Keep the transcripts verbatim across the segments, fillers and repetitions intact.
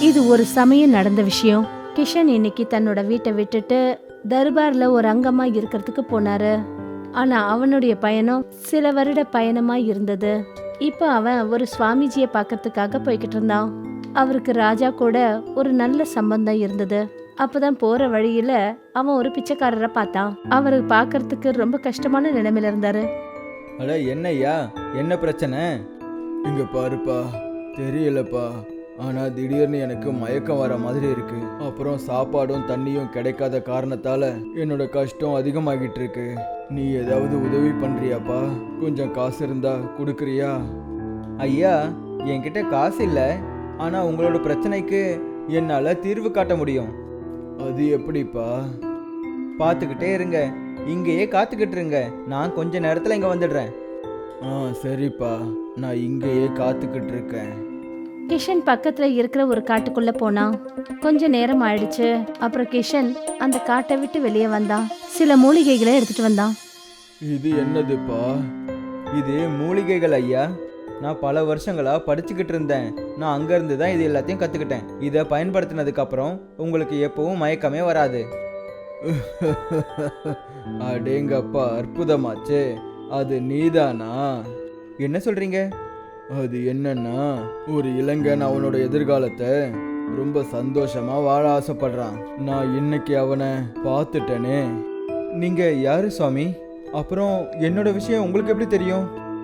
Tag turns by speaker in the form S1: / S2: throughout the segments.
S1: இது ஒரு சமயம் நடந்த விஷயம். கிஷன் இன்னைக்கு தன்னோட வீட்டை விட்டுட்டு தர்பார்ல ஒரு அங்கமா இருக்கிறதுக்கு போனாரு. ஆனா அவனுடைய பயணம் சில வருட பயணமா இருந்தது. இப்ப அவன் ஒரு சுவாமிஜியை பார்க்கறதுக்காக போய்கிட்டு இருந்தான். அவருக்கு ராஜா கூட ஒரு நல்ல சம்பந்தம் இருந்தது. அப்பதான் போற வழியில அவன் ஒரு பிச்சைக்காரரை பார்த்தான். அவரு பார்க்கறதுக்கு ரொம்ப கஷ்டமான நிலைமையில இருந்தாரு.
S2: அட என்னய்யா, என்ன பிரச்சனை? இங்க பாருப்பா, தெரியலப்பா, ஆனா திடீர்னு எனக்கு மயக்கம் வர மாதிரி இருக்கு. அப்புறம் சாப்பாடும் தண்ணியும் கிடைக்காத காரணத்தால என்னோட கஷ்டம் அதிகமாகிட்டு இருக்கு. நீ ஏதாவது உதவி பண்றியாப்பா? கொஞ்சம் காசு இருந்தா கொடுக்குறியா? ஐயா, என்கிட்ட காசு இல்லை, ஆனா உங்களோட பிரச்சனைக்கு என்னால தீர்வு காட்ட முடியும். அது எப்படிப்பா? பார்த்துக்கிட்டே இருங்க, இங்கேயே காத்துக்கிட்டு இருங்க, நான் கொஞ்ச நேரத்தில் இங்கே வந்துடுறேன். ஆ சரிப்பா, நான் இங்கேயே காத்துக்கிட்டு இருக்கேன்.
S1: கிஷன் பக்கத்துல இருக்கிற ஒரு காட்டுக்குள்ள போனான். கொஞ்ச நேரம் ஆயிடுச்சு. அப்புறம் கிஷன் அந்த காட்டை விட்டு வெளியே வந்தான். சில மூலிகைகளை எடுத்துட்டு வந்தான்.
S2: இது என்னதுப்பா? இது மூலிகைகள் ஐயா. நான் பல வருஷங்களா படிச்சுக்கிட்டு இருந்தேன். நான் அங்கேருந்து தான் இது எல்லாத்தையும் கற்றுக்கிட்டேன். இதை பயன்படுத்தினதுக்கு அப்புறம் உங்களுக்கு எப்பவும் மயக்கமே வராது. அடேங்கப்பா, அற்புதமாச்சே. அது நீதானா? என்ன சொல்றீங்க? அது என்னன்னா, ஒரு இளைஞன் அவனோட எதிர்காலத்தை ரொம்ப சந்தோஷமா வாழ ஆசைப்படுறான். நான் இன்னைக்கு அவனை பார்த்துட்டேனே. நீங்க யாரு சுவாமி? அப்புறம் என்னோட விஷயம் உங்களுக்கு எப்படி தெரியும்?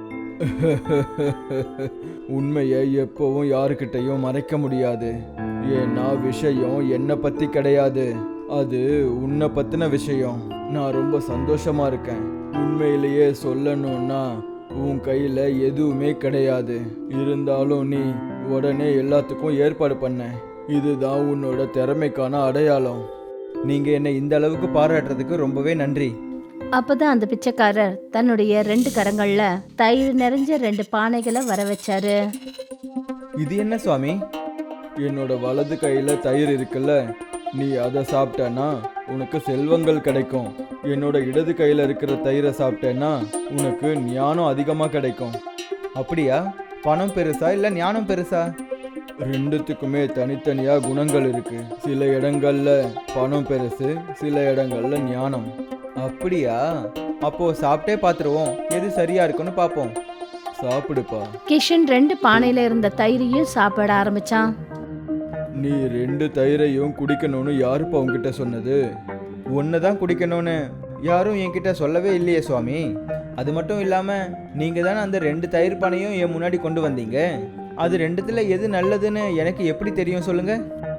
S2: உண்மையை எப்பவும் யாருக்கிட்டையும் மறைக்க முடியாது. ஏன்னா விஷயம் என்னை பத்தி கிடையாது, அது உன்னை பத்தின விஷயம். நான் ரொம்ப சந்தோஷமா இருக்கேன். உண்மையிலேயே சொல்லணும்னா உன் கையில எதுவுமே கிடையாது. இருந்தாலும் நீ உடனே எல்லாத்துக்கும் ஏற்பாடு பண்ண. இதுதான் உன்னோட திறமைக்கான அடையாளம். நீங்க என்னை இந்த அளவுக்கு பாராட்டுறதுக்கு ரொம்பவே நன்றி.
S1: அப்பதான் அந்த பிச்சைக்காரர் தன்னுடைய ரெண்டு கரங்கள்ல தயிர் நிறைஞ்ச ரெண்டு பானைகளை வர வச்சாரு.
S2: இது என்ன சுவாமி? என்னோட வலது கையில தயிர் இருக்குல்ல, நீ அதை சாப்பிட்டேன்னா உனக்கு செல்வங்கள் கிடைக்கும். என்னோட இடது கையில இருக்கிற தயிரை சாப்பிட்டேன்னா உனக்கு ஞானம் அதிகமா கிடைக்கும். அப்படியா? பணம் பெருசா இல்ல ஞானம் பெருசா? ரெண்டுத்துக்குமே தனித்தனியா குணங்கள் இருக்கு. சில இடங்கள்ல பணம் பெருசு, சில இடங்கள்ல ஞானம். அப்படியா? அப்போ சாப்பிட்டே பார்த்துருவோம், எது சரியா இருக்குன்னு பார்ப்போம். சாப்பிடுப்பா.
S1: கிஷன் ரெண்டு பானையில இருந்த தயிரையும் சாப்பிட ஆரம்பிச்சான்.
S2: நீ ரெண்டு தயிரையும் குடிக்கணும்னு யாருப்பா உங்ககிட்ட சொன்னது? ஒன்று தான் குடிக்கணும்னு யாரும் என்கிட்ட சொல்லவே இல்லையே சுவாமி. அது மட்டும் இல்லாமல் நீங்கள் தானே அந்த ரெண்டு தயிர் பானையும் என் முன்னாடி கொண்டு வந்தீங்க. அது ரெண்டுத்துல எது நல்லதுன்னு எனக்கு எப்படி தெரியும் சொல்லுங்க?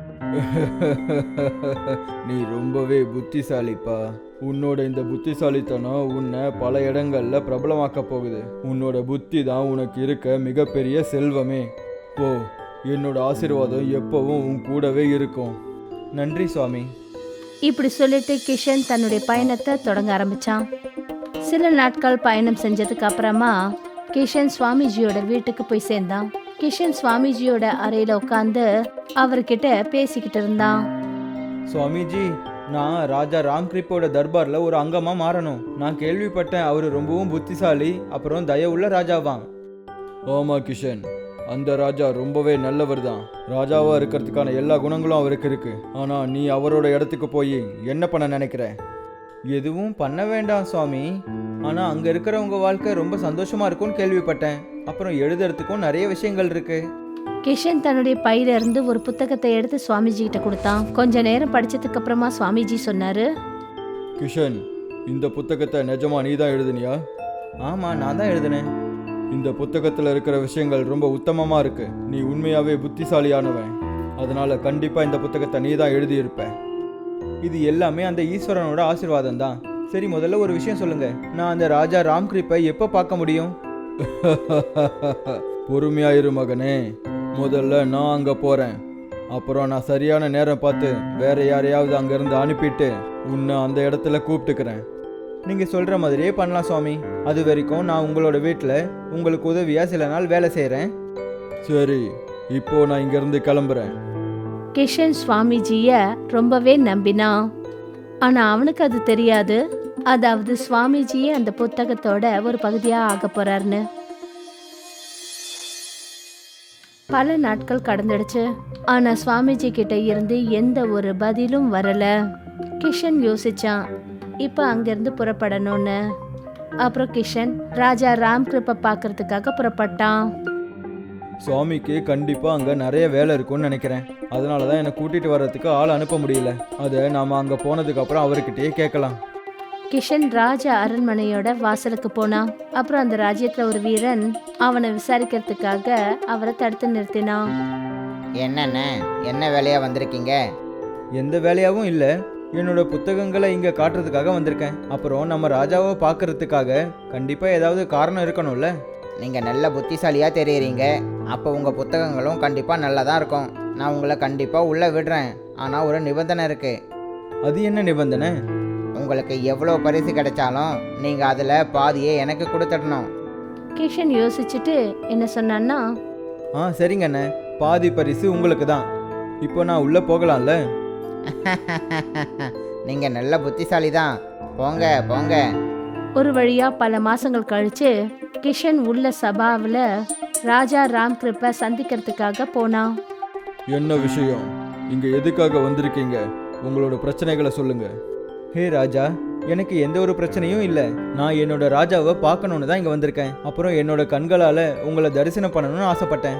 S2: நீ ரொம்பவே புத்திசாலிப்பா. உன்னோட இந்த புத்திசாலித்தனம் உன்னை பல இடங்கள்ல பிரபலமாக்க போகுது. உன்னோட புத்தி தான் உனக்கு இருக்க மிகப்பெரிய செல்வமே. போ, என்னோட ஆசீர்வாதம் எப்பவும் உன் கூடவே இருக்கும். நன்றி சுவாமி.
S1: இப்படி சொல்லிட்டு கிஷன் தன்னுடைய பயணத்தை தொடங்க ஆரம்பிச்சான். சில நாட்கள் பயணம் செஞ்சதுக்கு அப்புறமா கிஷன் சுவாமிஜியோட வீட்டுக்கு போய் சேர்ந்தான். கிஷன் சுவாமிஜியோட அறையில உட்காந்து அவர்கிட்ட பேசிக்கிட்டு இருந்தான்.
S2: சுவாமிஜி, நான் ராஜா ராம்கிரிப்போட தர்பார்ல ஒரு அங்கமா மாறணும். நான் கேள்விப்பட்டேன் அவரு ரொம்பவும் புத்திசாலி, அப்புறம் தயவுள்ள ராஜாவான். ஆமா கிஷன், அந்த ராஜா ரொம்பவே நல்லவர் தான். ராஜாவா இருக்கிறதுக்கான எல்லா குணங்களும் அவருக்கு இருக்கு. ஆனா நீ அவரோட இடத்துக்கு போய் என்ன பண்ண நினைக்கிற? எதுவும் பண்ண வேண்டாம் சுவாமி. ஆனா அங்க இருக்கிறவங்க வாழ்க்கை ரொம்ப சந்தோஷமா இருக்கும்னு கேள்விப்பட்டேன். அப்புறம் எழுதுறதுக்கும் நிறைய விஷயங்கள் இருக்கு.
S1: கிஷன் தன்னுடைய பையில இருந்து ஒரு புத்தகத்தை எடுத்து சுவாமிஜி கிட்ட கொடுத்தான். கொஞ்ச நேரம் படிச்சதுக்கு அப்புறமா சுவாமிஜி சொன்னாரு,
S2: கிஷன், இந்த புத்தகத்தை நிஜமா நீ தான் எழுதுனியா? ஆமா, நான் தான் எழுதினேன். இந்த புத்தகத்தில் இருக்கிற விஷயங்கள் ரொம்ப உத்தமமாக இருக்கு. நீ உண்மையாகவே புத்திசாலியானவன். அதனால கண்டிப்பாக இந்த புத்தகத்தை நீ தான் எழுதியிருப்ப. இது எல்லாமே அந்த ஈஸ்வரனோட ஆசீர்வாதம் தான். சரி, முதல்ல ஒரு விஷயம் சொல்லுங்க, நான் அந்த ராஜா ராம்கிரிப்பை எப்போ பார்க்க முடியும்? பொறுமையாயிரு மகனே, முதல்ல நான் அங்கே போகிறேன். அப்புறம் நான் சரியான நேரம் பார்த்து வேற யாரையாவது அங்கேருந்து அனுப்பிட்டு உன்னை அந்த இடத்துல கூப்பிட்டுக்கிறேன். நீங்கள் சொல்கிற மாதிரியே பண்ணலாம் சுவாமி. அது வரைக்கும் நான் உங்களோட வீட்டில் உங்களுக்கு உதவியாக சில நாள் வேலை செய்கிறேன். சரி, இப்போ நான் இங்கேருந்து கிளம்புறேன்.
S1: கிஷன் சுவாமிஜிய ரொம்பவே நம்பினான். ஆனா அவனுக்கு அது தெரியாது, அதாவது சுவாமிஜியே அந்த புத்தகத்தோட ஒரு பகுதியா ஆக போறாருன்னு. பல நாட்கள் கடந்துடுச்சு. ஆனா சுவாமிஜி கிட்ட இருந்து எந்த ஒரு பதிலும் வரல. கிஷன் யோசிச்சான் இப்ப அங்கிருந்து புறப்படணும்னு. அப்புறம் கிஷன் ராஜா ராம் கிருப்பை பார்க்கறதுக்காக புறப்பட்டான்.
S2: சுவாமிக்கு கண்டிப்பா அங்க நிறைய வேலை இருக்கும்னு நினைக்கிறேன். அதனாலதான் என்னை கூட்டிட்டு வர்றதுக்கு ஆள் அனுப்ப முடியல. அதை நாம அங்க போனதுக்கு அப்புறம் அவர்கிட்டயே கேட்கலாம்.
S1: கிஷன் ராஜா அரண்மனையோட வாசலுக்கு போனான். அப்புறம் அந்த ராஜ்யத்துல ஒரு வீரன் அவனை விசாரிக்கிறதுக்காக அவரை தடுத்து நிறுத்தினான்.
S3: என்னண்ணே, என்ன வேலையா வந்திருக்கீங்க?
S2: எந்த வேலையாவும் இல்லை, என்னோட புத்தகங்களை இங்க காட்டுறதுக்காக வந்திருக்கேன். அப்புறம் நம்ம ராஜாவை பார்க்கறதுக்காக கண்டிப்பா ஏதாவது காரணம் இருக்கணும்ல.
S3: நீங்கள் நல்ல புத்திசாலியாக தெரியுறீங்க. அப்போ உங்கள் புத்தகங்களும் கண்டிப்பாக நல்லா தான் இருக்கும். நான் உங்களை கண்டிப்பாக உள்ளே விடுறேன். ஆனால் ஒரு நிபந்தனை இருக்குது.
S2: அது என்ன நிபந்தனை?
S3: உங்களுக்கு எவ்வளோ பரிசு கிடைச்சாலும் நீங்கள் அதில் பாதியே எனக்கு கொடுத்துடணும்.
S1: கிஷன் யோசிச்சுட்டு என்ன சொன்னான்னா,
S2: ஆ சரிங்கண்ணே, பாதி பரிசு உங்களுக்கு தான். இப்போ நான் உள்ள போகலாம்ல?
S3: நீங்கள் நல்ல புத்திசாலி தான். போங்க போங்க.
S1: ஒரு வழியா பல மாசங்கள் கழிச்சு கிஷன் உள்ள சபாவில் ராஜா ராம் கிருப்பை சந்திக்கிறதுக்காக போனான்.
S2: என்ன விஷயம்? இங்க எதுக்காக வந்திருக்கீங்க? உங்களோட பிரச்சனைகளை சொல்லுங்க. ஹே ராஜா, எனக்கு எந்த ஒரு பிரச்சனையும் இல்லை. நான் என்னோட ராஜாவை பார்க்கணுன்னு தான் இங்கே வந்திருக்கேன். அப்புறம் என்னோட கண்களால் உங்களை தரிசனம் பண்ணணும்னு ஆசைப்பட்டேன்.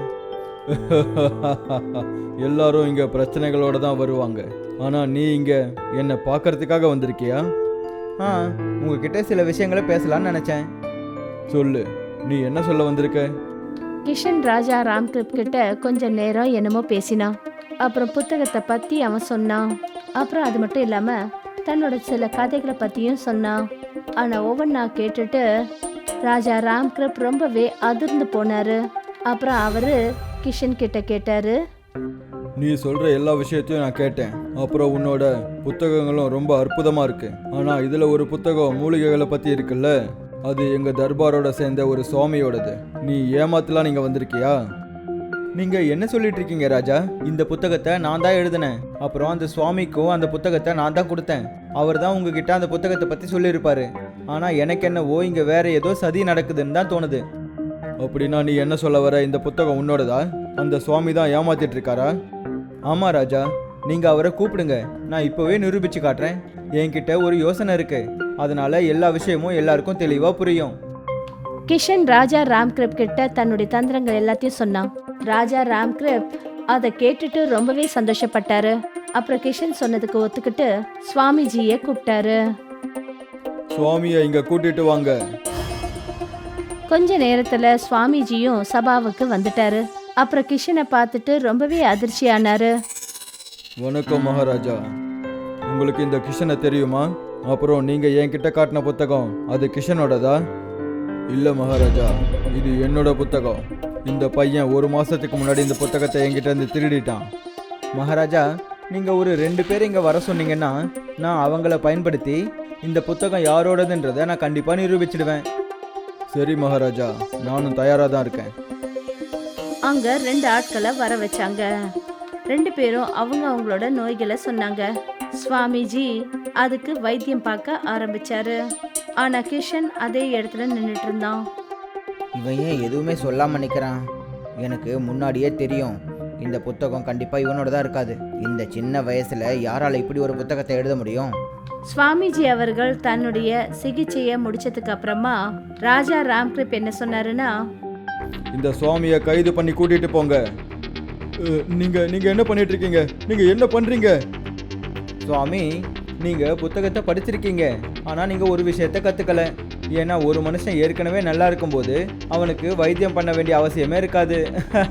S2: எல்லாரும் இங்கே பிரச்சனைகளோட தான் வருவாங்க. ஆனால் நீ இங்கே என்னை பார்க்கறதுக்காக வந்திருக்கியா? ஆ, உங்ககிட்ட சில விஷயங்களை பேசலான்னு நினச்சேன். சொல்லு, நீ என்ன சொல்ல வந்திருக்க?
S1: கிஷன் ராஜா ராம் கிருப் கிட்ட கொஞ்ச நேரம் என்னமோ பேசினான். அப்புறம் புத்தகத்தை பற்றி அவன் சொன்னான். அப்புறம் அது மட்டும் இல்லாமல் தன்னோட சில கதைகளை பற்றியும் சொன்னான். ஆனால் ஒவ்வொன்றா கேட்டுட்டு ராஜா ராம் கிருப் ரொம்பவே அதிர்ந்து போனாரு. அப்புறம் அவரு கிஷன் கிட்ட கேட்டாரு,
S2: நீ சொல்ற எல்லா விஷயத்தையும் நான் கேட்டேன். அப்புறம் உன்னோட புத்தகங்களும் ரொம்ப அற்புதமா இருக்கு. ஆனா இதுல ஒரு புத்தகம் மூலிகைகளை பத்தி இருக்குல்ல, அது எங்க தர்பாரோட சேர்ந்த ஒரு சுவாமியோடது. நீ ஏமாத்தலாம் நீங்க வந்திருக்கியா? நீங்க என்ன சொல்லிட்டு இருக்கீங்க ராஜா? இந்த புத்தகத்தை நான் தான் எழுதினேன். அப்புறம் அந்த சுவாமிக்கும் அந்த புத்தகத்தை நான் தான் கொடுத்தேன். அவர் தான் உங்ககிட்ட அந்த புத்தகத்தை பத்தி சொல்லியிருப்பாரு. ஆனா எனக்கு என்னவோ இங்க வேற ஏதோ சதி நடக்குதுன்னு தான் தோணுது. அப்படின்னா நீ என்ன சொல்ல வர? இந்த புத்தகம் உன்னோடதா? அந்த சுவாமி தான் ஏமாத்திட்டு இருக்காரா? ஆமா ராஜா, நீங்க அவரை கூப்பிடுங்க. நான் இப்பவே நிரூபிச்சு காட்டுறேன். என்கிட்ட ஒரு யோசனை இருக்கு. அதனால எல்லா விஷயமும் எல்லாருக்கும் தெளிவா புரியும்.
S1: கிஷன் ராஜா ராம் கிருப் கிட்ட தன்னுடைய தந்திரங்கள் எல்லாத்தையும் சொன்னான். ராஜா ராம் கிருப் அதை கேட்டுட்டு ரொம்பவே சந்தோஷப்பட்டாரு. அப்புறம் கிஷன் சொன்னதுக்கு ஒத்துக்கிட்டு சுவாமிஜியை கூப்பிட்டாரு.
S2: சுவாமியை இங்க கூட்டிட்டு வாங்க.
S1: கொஞ்ச நேரத்துல சுவாமிஜியும் சபாவுக்கு வந்துட்டாரு. அப்புறம் கிஷனை பார்த்துட்டு ரொம்பவே அதிர்ச்சியானாரு.
S2: வணக்கம் மகாராஜா, உங்களுக்கு இந்த கிஷனை தெரியுமா? அப்புறம் நீங்க என்கிட்ட காட்டின புத்தகம் அது கிஷனோடதா? இல்ல மகாராஜா, இது என்னோட புத்தகம். இந்த பையன் ஒரு மாசத்துக்கு முன்னாடி இந்த புத்தகத்தை என்கிட்ட இருந்து திருடிட்டான். மகாராஜா, நீங்க ஒரு ரெண்டு பேர் இங்க வர சொன்னீங்கன்னா நான் அவங்கள பயன்படுத்தி இந்த புத்தகம் யாரோடதுன்றதை நான் கண்டிப்பா நிரூபிச்சிடுவேன். சரி மகாராஜா, நானும் தயாரா தான் இருக்கேன்.
S1: அங்க ரெண்டு ஆட்களை வர வச்சாங்க. ரெண்டு பேரும் அவங்க அவங்களோட நோய்களை சொன்னாங்க. சுவாமிஜி அதுக்கு வைத்தியம் பார்க்க ஆரம்பிச்சாரு. ஆனா கிஷன் அதே இடத்துல நின்றுட்டு இருந்தான்.
S3: இவன் ஏன் எதுவுமே சொல்லாமல் நிற்கிறான்? எனக்கு முன்னாடியே தெரியும் இந்த புத்தகம் கண்டிப்பாக இவனோட தான் இருக்காது. இந்த சின்ன வயசில் யாரால் இப்படி ஒரு புத்தகத்தை எழுத முடியும்?
S1: சுவாமிஜி அவர்கள் தன்னுடைய சிகிச்சையை முடிச்சதுக்கு அப்புறமா ராஜா ராம்கிருப் என்ன சொன்னாருன்னா,
S2: இந்த சுவாமியை கைது பண்ணி கூட்டிட்டு போங்க. அஹ், நீங்க நீங்க என்ன பண்ணிட்டு இருக்கீங்க? நீங்க என்ன பண்றீங்க? சுவாமி, நீங்க புத்தகத்தை படிச்சிருக்கீங்க. ஆனா நீங்க ஒரு விஷயத்தை கத்துக்கல. ஏன்னா ஒரு மனுஷன் ஏற்கனவே நல்லா இருக்கும்போது அவனுக்கு வைத்தியம் பண்ண வேண்டிய அவசியமே இருக்காது.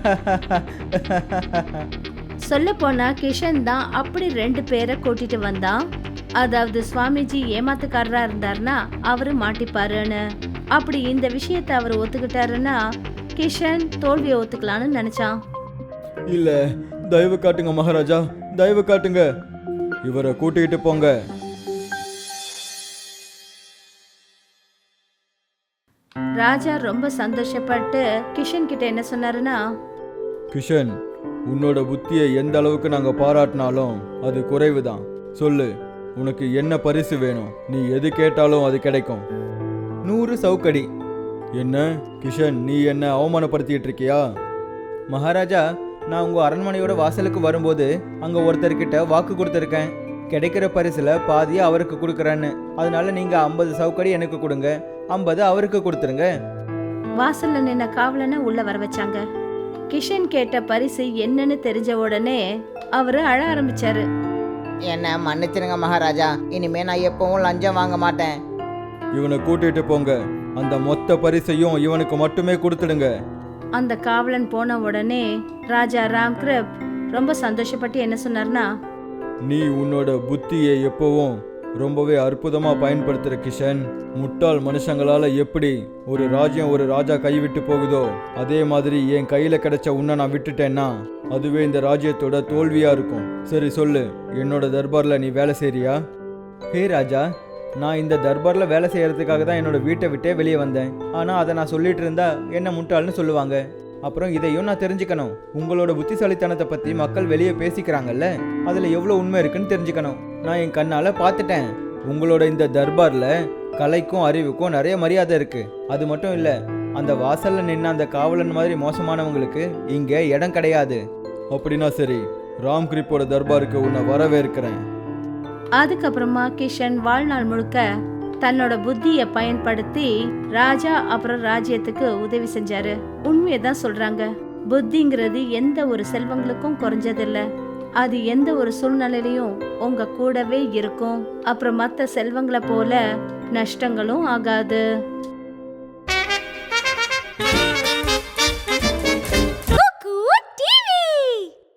S1: சொல்ல போனா கிஷன் தான் அப்படி ரெண்டு பேரை கூட்டிட்டு வந்தான். அதாவது சுவாமிஜி ஏமாத்துக்காரரா இருந்தாருன்னா அவரு மாட்டிப்பாருன்னு. அப்படி இந்த விஷயத்தை அவர் ஒத்துக்கிட்டாருன்னா கிஷன் தோல்வியை ஒத்துக்கலான்னு நினைச்சான்.
S2: இல்ல, தயவு காட்டுங்க மகாராஜா, தயவு காட்டுங்க. இவரை கூட்டிகிட்டு போங்க.
S1: ராஜா ரொம்ப சந்தோஷப்பட்டு கிஷன் கிட்ட என்ன சொன்னாருன்னா,
S2: கிஷன், உன்னோட புத்தியை எந்த அளவுக்கு நாங்க பாராட்டினாலும் அது குறைவுதான். சொல்லு, உனக்கு என்ன பரிசு வேணும்? நீ எது கேட்டாலும் அது கிடைக்கும். நூறு சவுக்கடி. என்ன கிஷன், நீ என்ன அவமானப்படுத்திட்டு இருக்கியா? மகாராஜா, நான் உங்க அரண்மனையோட வாசலுக்கு வரும்போது அங்க ஒருத்தர்கிட்ட வாக்கு கொடுத்துருக்கேன். கிடைக்கிற பரிசுல பாதியை அவருக்கு கொடுக்குறேன்னு. அதனால நீங்க ஐம்பது சவுக்கடி எனக்கு கொடுங்க, ஐம்பது அவருக்கு கொடுத்துருங்க.
S1: வாசல்ல நின்ன காவலனை உள்ள வர வச்சாங்க. கிஷன் கேட்ட பரிசு என்னன்னு தெரிஞ்ச உடனே அவரு அழ ஆரம்பிச்சாரு.
S3: என்ன மன்னிச்சிருங்க மகாராஜா, இனிமே நான் எப்பவும் லஞ்சம் வாங்க மாட்டேன்.
S2: இவனை கூட்டிட்டு போங்க, அந்த மொத்த பரிசையும் இவனுக்கு மட்டுமே கொடுத்துடுங்க.
S1: அந்த காவலன் போன உடனே ராஜா ராம்கிருப் ரொம்ப சந்தோஷப்பட்டு என்ன சொன்னார்னா,
S2: நீ உன்னோட புத்தியை எப்பவும் ரொம்பவே அற்புதமா பயன்படுத்துற கிஷன். முட்டாள் மனுஷங்களால எப்படி ஒரு ராஜ்யம் ஒரு ராஜா கைவிட்டு போகுதோ அதே மாதிரி என் கையில கிடைச்ச உன்னை நான் விட்டுட்டேன்னா அதுவே இந்த ராஜ்யத்தோட தோல்வியா இருக்கும். சரி சொல்லு, என்னோட தர்பார்ல நீ வேலை செய்றியா? ஹே ராஜா, நான் இந்த தர்பார்ல வேலை செய்யறதுக்காக தான் என்னோட வீட்டை விட்டே வெளியே வந்தேன். ஆனா அதை நான் சொல்லிட்டு இருந்தா என்ன முட்டாள்னு சொல்லுவாங்க. அப்புறம் இதையும் நான் தெரிஞ்சுக்கணும். உங்களோட புத்திசாலித்தனத்தை பத்தி மக்கள் வெளியே பேசிக்கிறாங்கல்ல, அதுல எவ்வளவு உண்மை இருக்குன்னு தெரிஞ்சுக்கணும். நான் என் கண்ணால பார்த்துட்டேன். உங்களோட இந்த தர்பார்ல கலைக்கும் அறிவுக்கும் நிறைய மரியாதை இருக்கு. அது மட்டும் இல்ல, அந்த வாசல்ல நின்ன அந்த காவலன் மாதிரி மோசமானவங்களுக்கு இங்க இடம் கிடையாது. அப்படின்னா சரி, ராம்கிரிப்போட தர்பாருக்கு உன்னை வரவேற்கிறேன்.
S1: அதுக்கப்புறமா கிஷன் வாழ்நாள் முழுக்க தன்னோட புத்திய பயன்படுத்தி ராஜா அப்புறம் ராஜ்யத்துக்கு உதவி செஞ்சாரு. உண்மையதான் சொல்றாங்க, புத்திங்கிறது எந்த ஒரு செல்வங்களுக்கும் குறைஞ்சதில்ல. அது எந்த ஒரு சூழ்நிலையிலையும் உங்க கூடவே இருக்கும். அப்புறம் மற்ற செல்வங்களை போல நஷ்டங்களும் ஆகாது.